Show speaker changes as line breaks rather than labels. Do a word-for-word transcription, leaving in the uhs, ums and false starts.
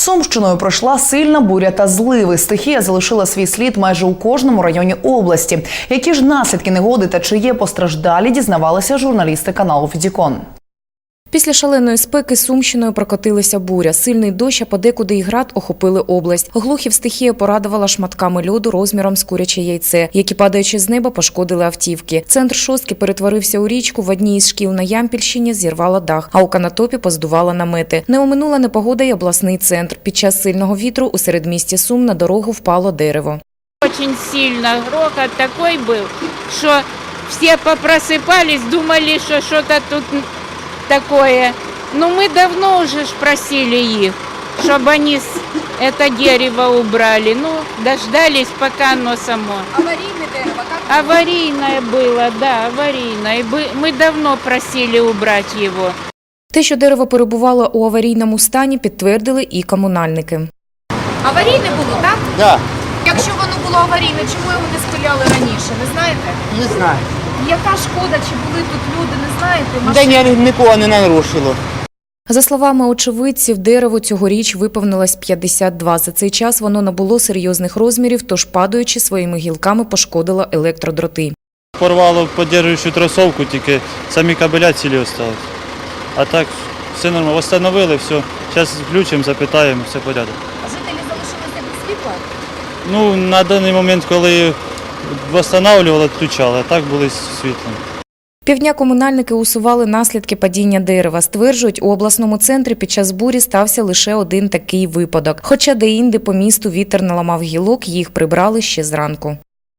Сумщиною пройшла сильна буря та зливи. Стихія залишила свій слід майже у кожному районі області. Які ж наслідки негоди та чи є постраждалі, дізнавалися журналісти каналу Федікон.
Після шаленої спеки Сумщиною прокотилася буря. Сильний дощ, а подекуди і град охопили область. Глухів стихія порадувала шматками льоду розміром з куряче яйце, які, падаючи з неба, пошкодили автівки. Центр Шостки перетворився у річку, в одній із шкіл на Ямпільщині зірвала дах, а у Канатопі поздувала намети. Не оминула непогода й обласний центр. Під час сильного вітру у середмісті Сум на дорогу впало дерево.
Очень сильно грохот такой был, что все попросыпались, думали, что что-то тут такое. Но мы давно уже ж просили их, чтобы они это дерево убрали. Ну, дождались, пока оно само.
Аварийное дерево? Как?
Аварийное было, да, аварийное. Мы давно просили убрать его.
Те, що дерево перебувало у аварійному стані, підтвердили і комунальники.
Аварійне було, так?
Так,
Якщо воно було аварійне, чому його не спиляли раніше, не знаєте?
не знаю.
Яка шкода, чи були тут люди, не знаєте?
Та ні, нікого не нарушило.
За словами очевидців, дерево цьогоріч виповнилось п'ятдесят два. За цей час воно набуло серйозних розмірів, тож, падаючи своїми гілками, пошкодило електродроти.
Порвало підтримуючу тросовку, тільки самі кабеля цілі залишились. А так, все нормально. Встановили, все. Зараз включимо, запитаємо, все порядок.
А жителі залишилися без світла?
Ну, на даний момент, коли встановлювали, відключали, а так були світлом.
Півдня комунальники усували наслідки падіння дерева. Стверджують, у обласному центрі під час бурі стався лише один такий випадок. Хоча де-інде по місту вітер наламав гілок, їх прибрали ще зранку.